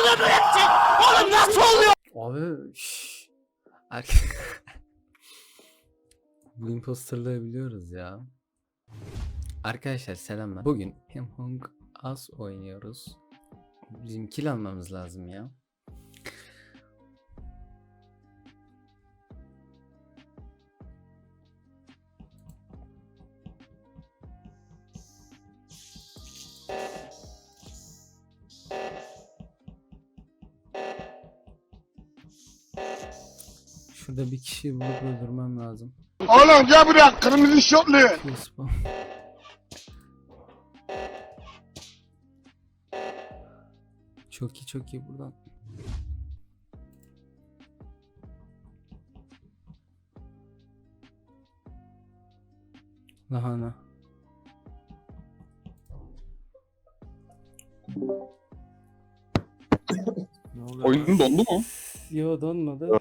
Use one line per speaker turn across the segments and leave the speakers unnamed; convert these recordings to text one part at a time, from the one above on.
Oğlum nasıl oluyor?
Abi şşş. Bu imposterlığı biliyoruz ya. Arkadaşlar selamlar. Bugün Among Us oynuyoruz. Bizim kill almamız lazım ya. Şurada bir kişiyi bulup öldürmem lazım.
Oğlum gel buraya kırmızı şortlu.
Spam. Çok iyi buradan. Lahana.
Oyunun dondu mu?
Yo donmadı.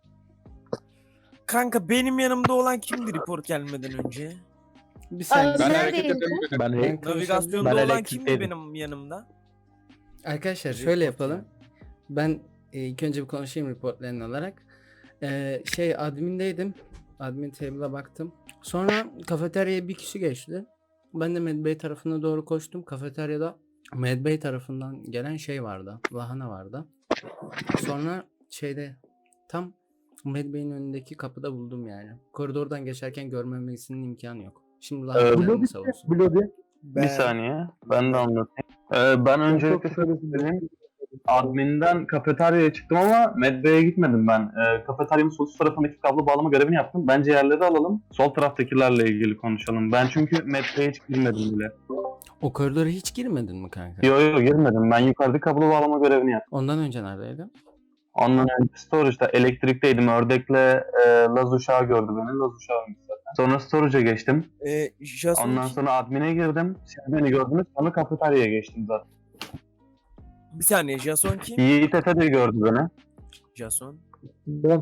Kanka benim yanımda olan kimdi report gelmeden önce?
Bir saniye.
Ben
Nerede
hareket
yayın?
edemedim.
Ben
Navigasyonda
Ben
olan kimdi
elektrikteydim.
benim yanımda?
Arkadaşlar şöyle yapalım. Ben ilk önce bir konuşayım reportlarını alarak. Admin'deydim. Admin table'a baktım. Sonra kafeteryaya bir kişi geçti. Ben de Medbay tarafına doğru koştum. Kafeteryada Medbay tarafından gelen şey vardı. Lahana vardı. Sonra tam Medbay'in önündeki kapıda buldum yani. Koridordan geçerken görmemesinin imkanı yok. Şimdi Lahana'nı savunsun.
Bir saniye. Ben de anlatayım. Ben öncelikle şöyle söyleyeyim. Admin'den kafeteryaya çıktım ama Medbay'e gitmedim ben. Kafeteryanın sol üst tarafındaki kablo bağlama görevini yaptım. Bence yerleri alalım. Sol taraftakilerle ilgili konuşalım. Ben çünkü Medbay'e hiç girmedim bile.
O koridora hiç girmedin mi kanka?
Yo girmedim. Ben yukarıdaki kablo bağlama görevini yaptım.
Ondan önce neredeydin?
Ondan önce storage'da elektrikteydim. Ördek'le Laz uşağı gördü beni. Laz uşağıymış zaten. Sonra storage'a geçtim.
Jason
Ondan sonra admin'e girdim. Siz beni gördünüz. Sonra kafeteryaya geçtim zaten.
bir saniye Jason kim?
Yiğit Efe de gördü beni.
Jason.
Ben.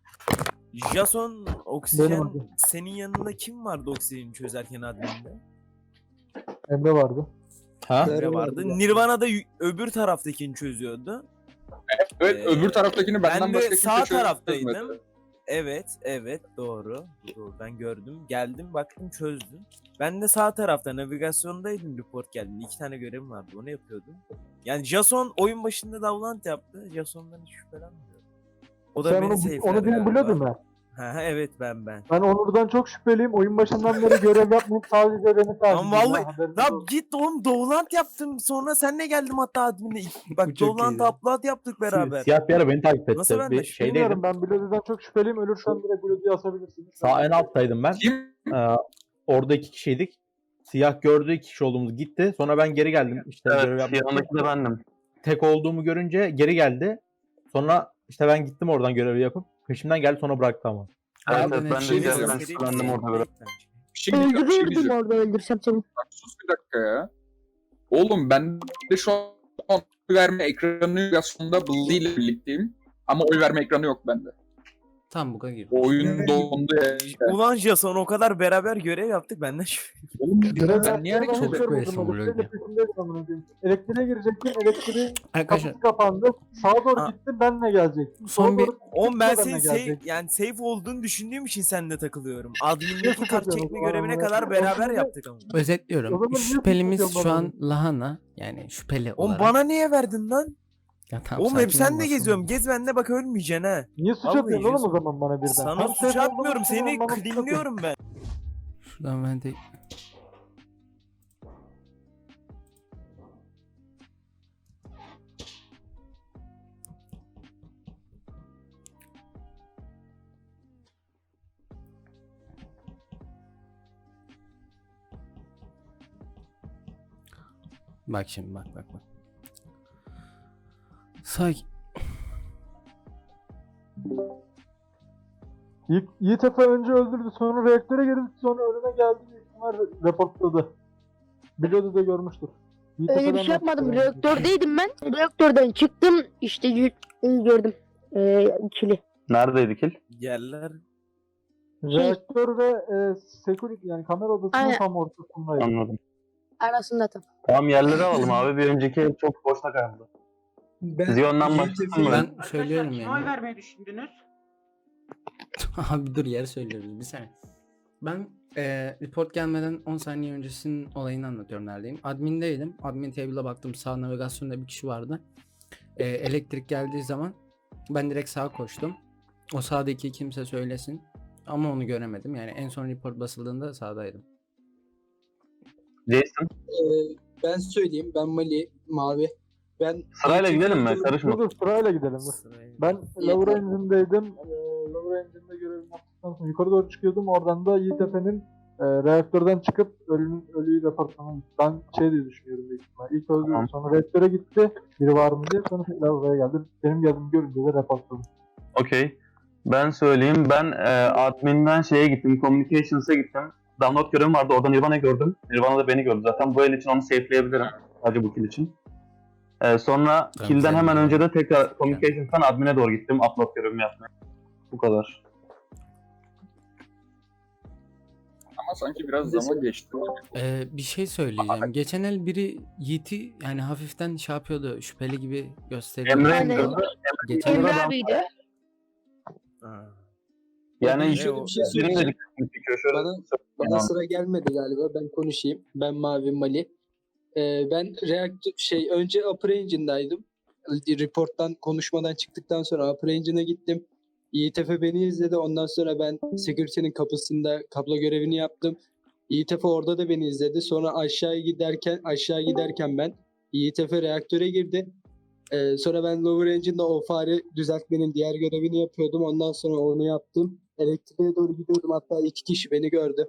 Jason oksijen
Benim adım.
senin yanında kim vardı oksijeni çözerken adminde?
Emre vardı.
Emre vardı. Nirvana da öbür taraftakini çözüyordu.
Evet, öbür taraftakini benden
Ben de
başka kimse
sağ
çözmedi.
taraftaydım. Evet doğru. Ben gördüm. Geldim baktım çözdüm. Ben de sağ tarafta navigasyondaydım, report geldi. 2 tane görevim vardı, onu yapıyordum. Yani Jason oyun başında davlant yaptı. Jason'dan hiç şüphelenmiyorum. O da
Sen
beni
onu
safe'ledi
benim
galiba.
biliyordun mu?
Ha, evet ben.
Ben Onur'dan çok şüpheliyim. Oyun başından beri görev yapmayıp sadece beni takip
Lan vallahi-
ediyor. Haberiniz
Lan
olsun.
git oğlum Dovlant yaptım. Sonra senle geldim hatta adminle. Bak
Bu çok
Dovlant
iyi.
upload yaptık beraber.
Siyah bir ara beni takip etti.
Nasıl ben de
Bir şeydeydim.
Bilmiyorum, ben Bloody'den çok şüpheliyim. Ölürsem direkt Bloody'yi asabilirsiniz.
Sağ en alttaydım ben.
Kim?
Orada 2 kişiydik. Siyah gördü 2 kişi olduğumuzu gitti. Sonra ben geri geldim. İşte görev
Evet,
yapmak
yanındaki
için.
de bendim.
Tek olduğumu görünce geri geldi. Sonra işte ben gittim oradan görevi yapıp. Peşimden geldi sonra bıraktı ama.
Evet,
Aynen
evet, ben
öyle.
de
Şey
geldim.
diyeceğim.
Bendim orada böyle.
Şimdi bir şey
Öldürürdüm
diyeceğim.
orada öldürsem seni.
Bak, sus bir dakika ya. Oğlum ben de şu an oy verme ekranı navigasyonda Bully ile birlikteyim. Ama oy verme ekranı yok bende.
Tam buga girdi.
Oyun dondu ya.
Ulan Jason o kadar beraber görev yaptık benden
Oğlum
Görev
ben niye hareket
yapmaya
Çok
ediyorum?
şüphelisin
başladım.
Bloody.
Peşindeydim amına koyayım. Elektriğe girecektim. Elektriğin
Arkadaşlar
kapısı kapandı. Sağa doğru
Aa.
gittim. Benle gelecektim.
Son
Sola
bir-
doğru
Oğlum ben
benle
senin
gelecektim.
yani safe olduğunu düşündüğüm için seninle takılıyorum. Admin'deki
Nasıl
kart
takıyorsun
çekme
o
görevine
zaman?
kadar beraber yaptık ama.
O
özetliyorum.
zaman niye
Şüphelimiz
tutuyorsun
şu
bana
an Lahana. Yani şüpheli
Oğlum
olarak.
bana niye verdin lan?
Ya tamam,
Oğlum hep
sakin
senle
olmasın.
geziyorum. Gez benimle bak ölmeyeceksin ha.
Niye suç
Vallahi
atıyorsun oğlum o
Jason.
zaman bana birden?
Sana
Hem
suç
safe olduğunu
atmıyorum. Seni
düşünüyorum, bana suç atıyorsun.
cleanliyorum ben.
Şuradan ben de... Bak şimdi bak. Sakin.
Yiğit Efe önce öldürdü, sonra reaktöre girdi, sonra önüme geldi, büyük ihtimal reportladı. Biliyordu da görmüştür. Yiğit
Öyle bir
Efe'den
şey yapmadım.
bahsediyorum.
Reaktördeydim ben. Reaktörden çıktım. İşte gördüm. İkili.
Neredeydi kill?
Yerler.
Reaktör ve security yani kamera odasının
Aynen.
tam ortasındaydı.
Anladım.
Arasında tam.
Tamam yerleri alalım abi. Bir önceki ev çok boşta kaldı.
Ben
Zion'dan başlasın mı?
Ben söylüyorum
Kime oy
yani.
vermeyi düşündünüz?
Abi dur yer söylüyoruz bir saniye. Ben report gelmeden 10 saniye öncesinin olayını anlatıyorum neredeyim. Admin'deydim. Admin table'a baktım. Sağ navigasyonda bir kişi vardı. Elektrik geldiği zaman ben direkt sağa koştum. O sağdaki kimse söylesin. Ama onu göremedim. Yani en son report basıldığında sağdaydım.
Jason.
Ben söyleyeyim. Ben Mali, Mavi. Ben
Sırayla gidelim mi? Karışma.
Dur sırayla gidelim. Dur.
Sırayla.
Ben Lower Engine'deydim. Lower Engine'de görevimi yaptıktan sonra yukarı doğru çıkıyordum. Oradan da Yiğitepe'nin reaktörden çıkıp ölüyü raporlamayı. Ben şey diye düşünüyorum büyük ihtimal. İlk öldü,
Tamam.
sonra reaktöre gitti. Biri var mı diye. Sonra Lower'a geldi. Benim geldiğimi görünce de raporladım.
Okey. Ben söyleyeyim. Ben admin'den şeye gittim. Communications'a gittim. Download görevim vardı. Orada Nirvana'yı gördüm. Nirvana da beni gördü zaten. Bu el için onu safe'leyebilirim. Sadece bu kill için. Sonra
Tamam,
kill'den
sen
hemen
de.
önce de tekrar Communications'tan admin'e doğru gittim. Upload görevimi yapmaya. Bu kadar.
Ama sanki biraz zaman geçti.
Bir şey söyleyeceğim. Geçen el biri Yiğit'i yani hafiften şey yapıyordu. Şüpheli gibi gösteriyordu.
Emre
Aynen.
gördü.
Geçen
Emre
el
abiydi.
Ha.
Yani
şöyle bir şey
benim de
söyleyeceğim.
dikkatimi çekiyor. Şöyle
Bana sıra gelmedi galiba. Ben konuşayım. Ben Mavi Mali. Ben önce Upper Engine'daydım. Report'tan konuşmadan çıktıktan sonra Upper Engine'e gittim. İETF beni izledi. Ondan sonra ben security'nin kapısında kablo görevini yaptım. İETF orada da beni izledi. Sonra aşağı giderken ben İETF reaktöre girdi. Sonra ben Lower Engine'da o fare düzeltmenin diğer görevini yapıyordum. Ondan sonra onu yaptım. Elektriğe doğru gidiyordum. Hatta 2 kişi beni gördü.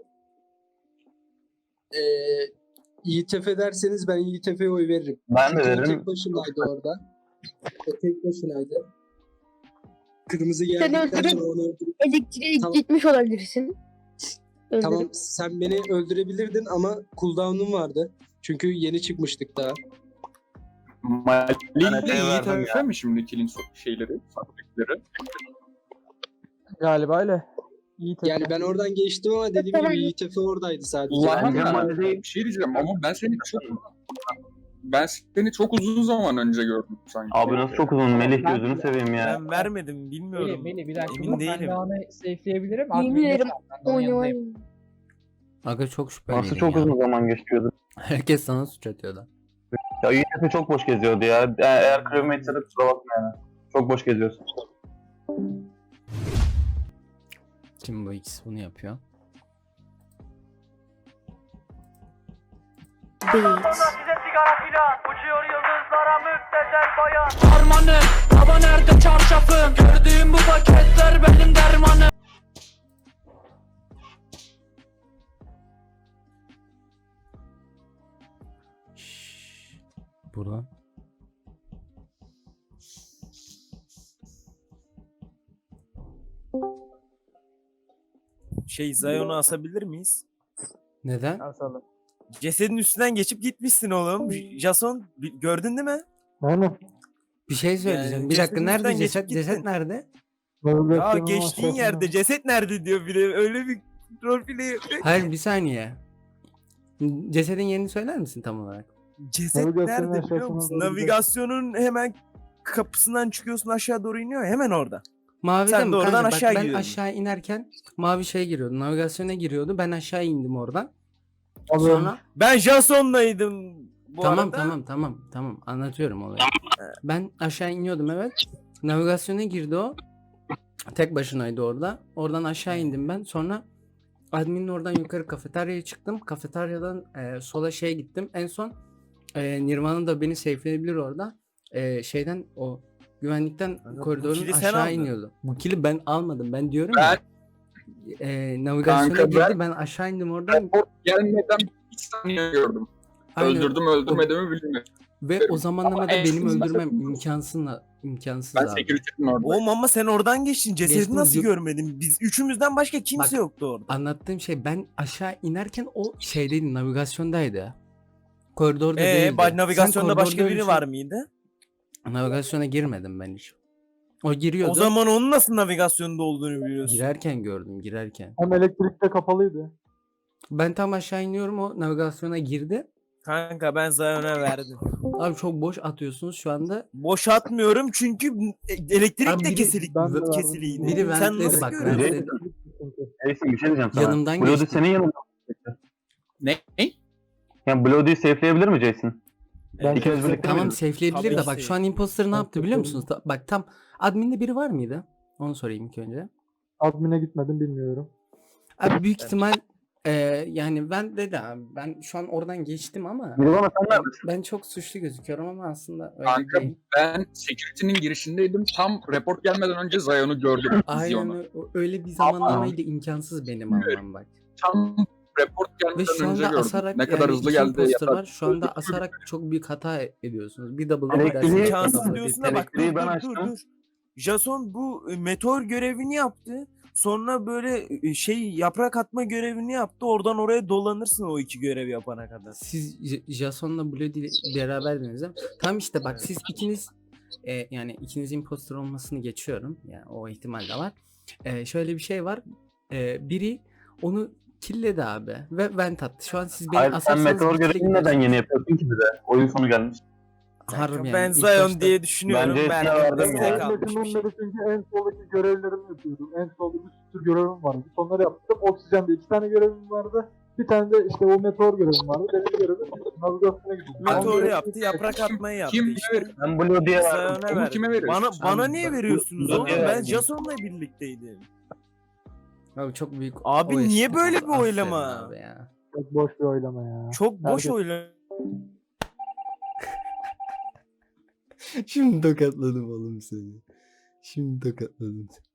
İETF derseniz ben İETF'ye oy veririm.
ben de
Çünkü o
derim.
tek başınaydı orada. O tek başınaydı. Kırmızı
Sen
geldikten
öldürüp-
sonra onu öldürüp...
Elektriğe
Tamam.
gitmiş olabilirsin. Öldürüp.
Tamam sen beni öldürebilirdin ama cooldown'um vardı. Çünkü yeni çıkmıştık daha.
Mali
Evet,
ile Yiğit
verdim
Efe mi şimdi kill'in şeyleri, fabrikleri?
Galiba öyle. Yiğitepe.
Yani ben oradan geçtim ama dediğim
Tamam.
gibi İETF oradaydı sadece.
Bence
Lahana
Mali değil.
bir şey diyeceğim ama ben seni çok uzun zaman önce gördüm sanki.
Abi nasıl çok uzun. Melih gözünü seveyim ya.
Ben vermedim bilmiyorum.
Beni bir dakika
Emin
dur,
değilim.
ben de onu safe'leyebilirim.
Yemin
Admin'de
ederim.
sen, ben de onun yanındayım.
Oynayayım.
Aga çok şüpheliydim
Nasıl çok
ya.
uzun zaman geçiyordu.
Herkes sana suç atıyordu.
Ya YTF çok boş geziyordu ya. Eğer crewmate'se de kusura bakma yani. Çok boş geziyorsun.
Kim bu ikisi bunu yapıyor?
Değil.
Harmanım, baba nerede çarşafım? Gördüğüm bu paketler benim dermanım.
Şşş. Buradan.
Zion'u asabilir miyiz?
Neden?
Asalım.
Cesedin üstünden geçip gitmişsin oğlum. Jason gördün değil mi?
Aynen.
Bir şey söyleyeceğim.
Yani
Bir dakika
cesedin
nerede
üstünden geçip
ceset? Ceset
gittin.
nerede?
Ya
Navigasyonun
geçtiğin
aşağısında.
yerde ceset nerede diyor bir de öyle bir roleplay yapıyor.
Hayır bir saniye. Cesedin yerini söyler misin tam olarak?
Ceset
Navigasyonun
nerede biliyor
aşağısına
musun?
doğru gidelim.
Navigasyonun hemen kapısından çıkıyorsun aşağı doğru iniyor ya, hemen orada.
Mavi
Sen
de mi?
de oradan
Kanka,
aşağı
ben
gidiyordun.
aşağı inerken mavi şey giriyordu. Navigasyona giriyordu. Ben aşağı indim oradan.
Alıyorum.
Sonra
Ben Jason'laydım bu
tamam
arada.
tamam anlatıyorum olayı. Ben aşağı iniyordum evet. Navigasyona girdi o. Tek başınaydı orada. Oradan aşağı indim ben. Sonra adminin oradan yukarı kafeteryaya çıktım. Kafeteryadan sola şeye gittim. En son Nirvana da beni safe'leyebilir orada. Şeyden o güvenlikten
Kanka, bu
koridorun
kili sen
aşağı
aldın.
iniyordu. Bu kili ben almadım. Ben diyorum
Ben-
ya. Navigasyona
Kanka,
girdi. Ben aşağı indim oradan.
Gelmeden bir saniye gördüm.
Aynen.
Öldürdüm öldürmediğimi bilmiyorum.
Ve o zamanlamada
en
benim
son-
öldürmem imkansız
Ben
abi.
security'nin orada.
Oğlum ama sen oradan geçtin. Cesedi
Geçtim,
nasıl
yok.
görmedin? Biz üçümüzden başka kimse
Bak,
yoktu orada.
Anlattığım şey ben aşağı inerken o şeydeydi navigasyondaydı. Koridorda değildi. Sen
Navigasyonda başka
koridorda
biri
yürüyüşün-
var mıydı?
Navigasyona girmedim ben hiç. O giriyordu.
O zaman onun nasıl navigasyonda olduğunu biliyorsun.
girerken gördüm girerken.
Hem elektrikte kapalıydı.
Ben tam aşağı iniyorum o navigasyona girdi.
Kanka ben Zion'a verdim.
Abi çok boş atıyorsunuz şu anda.
Boş atmıyorum çünkü elektrik
Abi
de
biri-
ben de verdim.
kesiliydi.
Biri
Sen
ventledi
nasıl
bak,
görüyorsun?
ventledi.
Jason bir şey diyeceğim sana.
Yanımdan
Bloody
geçti.
senin yanında.
Ne?
Yani Bloody'yi safe'leyebilir mi Jason?
Ben
İkiniz birlikte
Tamam
miydiniz?
safe'leyebilir de
Tabii
bak
ki.
şu an imposter ne
Ben
yaptı biliyor
safe'ledim.
musunuz? Bak tam adminde biri var mıydı? Onu sorayım ilk önce.
admin'e gitmedim bilmiyorum.
Abi büyük ihtimal yani ben dedi abi ben şu an oradan geçtim ama
Nirvana sen neredesin?
ben çok suçlu gözüküyorum ama aslında öyle
Kanka
değil.
ben security'nin girişindeydim. Tam report gelmeden önce Zion'u gördüm.
Aynen
Zion'u.
öyle bir zamanlamayla imkansız benim almam bak.
Tam report
Ve
gelmeden
şu
önce
anda
gördüm.
asarak
Ne kadar
yani
hızlı
iki
geldi.
imposter
ya.
var. Şu anda asarak çok büyük hata ediyorsunuz. Bir double
Elektriği-
dersiniz, bir
İmkansız
double
diyorsun
bir
da bak
Elektriği
dur
ben
dur dur
açtım.
dur. Jason bu meteor görevini yaptı. Sonra böyle şey yaprak atma görevini yaptı. Oradan oraya dolanırsın o iki görev yapana kadar.
Siz Jason'la Bloody beraberdiniz değil mi? Tam işte bak siz ikiniz yani ikiniz imposter olmasını geçiyorum. Yani o ihtimal de var. Şöyle bir şey var. Biri onu killedi abi ve vent attı. Şu an siz beni
Hayır sen
asarsanız
meteor
bir kille
görevini neden
gidersiniz.
yeni yapıyorsun ki bize? Oyun sonu gelmiş.
Harbi yani,
Ben
ilk
Zion
başta-
diye düşünüyorum.
Bence
Ben
Jason'a verdim
destek
ya.
almış bir
Metin'in
şey.
beri çünkü en soldaki görevlerimi yapıyordum. En solda bir sürü görevim vardı. Onları yaptım. Oksijende 2 tane görevim vardı. Bir tane de işte o meteor görevim vardı. Benim görevim navigasyona gidiyordum.
Meteoru
Ben-
yaptı, yaprak atmayı yaptı
Kim
işte.
Ben Bloody'ye verdim.
Zion'a
Onu
verdim.
kime veriyorsun?
Bana niye veriyorsunuz oğlum?
Bloody'ye
Ben
verdim.
Jason'la birlikteydim.
Abi çok büyük.
Abi
o
niye
eski-
böyle bir
Aferin
oylama?
abi ya.
Çok boş bir oylama ya.
Çok boş
Herkes-
oylama.
Şimdi tokatladım oğlum seni. Şimdi tokatladım seni.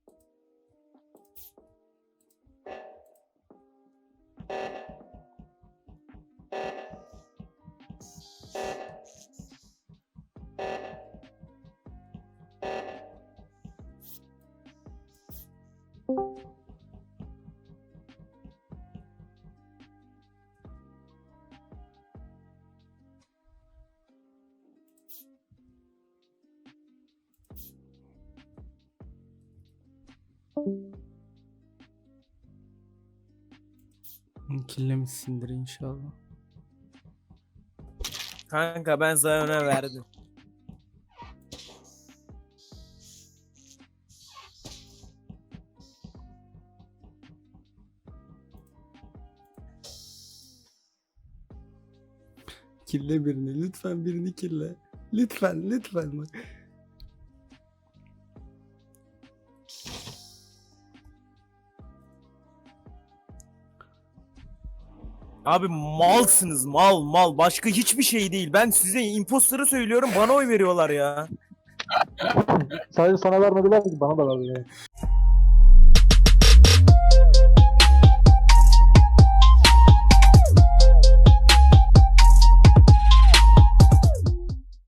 Killemişsindir inşallah.
Kanka ben Zion'a verdim.
Kille birini. Lütfen birini kille. Lütfen lütfen bak.
Abi malsınız mal. Başka hiçbir şey değil. Ben size imposter'ı söylüyorum bana oy veriyorlar ya.
Sadece sana vermediler ki bana da verdiler.